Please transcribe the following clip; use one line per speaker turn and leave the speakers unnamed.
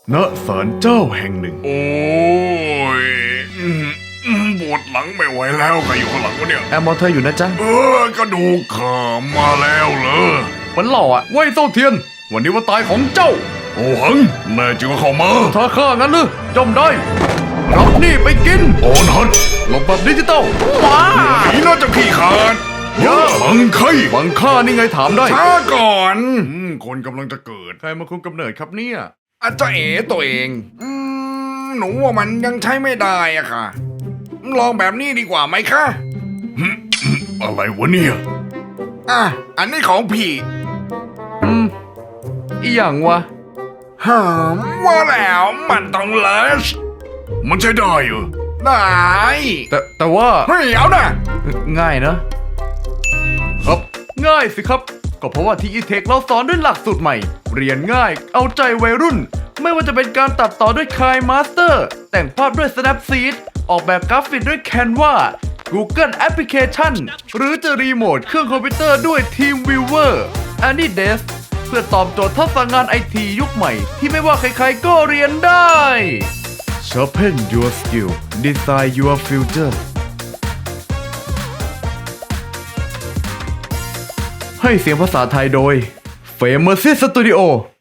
ณศาลเจ้าแห่งหนึ่ง
โอ้ยปวดหลังไม่ไหวแล้วใครอยู่ข้างหลังวะเนี่ย
แอมมองเธออยู่นะจ๊ะ
กระดูกขามาแล้วเหรอ
มันหล่ออะเว้ยโซเทียน วันนี้วันตายของเจ้า
โอ้หังแน่จริงก็เข้ามา
ถ้าข้างั้นหรือจมได้รับนี่ไปกิน
โอนฮัท
หลบแบบดิจิตอลว้า
หนีน่าจะขี้ขาด
อย่า
บังไข่
บังค่านี่ไงถามได้
ช้าก่อนคนกำลังจะเกิด
ใครมาคุมกำเนิดครับเนี่ย
อาจจะเอ๋ตัวเองหนูว่ามันยังใช้ไม่ได้อะค่ะ ลองแบบนี้ดีกว่าไหมคะอะไรวะเนี่ยอันนี้ของพี่
อีหยังวะ
ว่าแล้วมันต้องเลสมันใช้ได้เหรอได้
แต่ว่า
เฮ้ยเอานะ
ง่ายนะ ครับง่ายสิครับ ก็เพราะว่าที่ e-tech เราสอนด้วยหลักสูตรใหม่ เรียนง่ายเอาใจวัยรุ่น ไม่ว่าจะเป็นการตัดต่อด้วย KineMaster แต่งภาพด้วย Snapseed ออกแบบกราฟิกด้วย Canva Google Application หรือจะรีโมทเครื่องคอมพิวเตอร์ด้วย TeamViewer AnyDesk เพื่อตอบโจทย์ทักษะงานไอทียุคใหม่ที่ไม่ว่าใครๆก็เรียนได้ Sharpen your skill Design your future ให้เสียงภาษาไทยโดย Famous Studio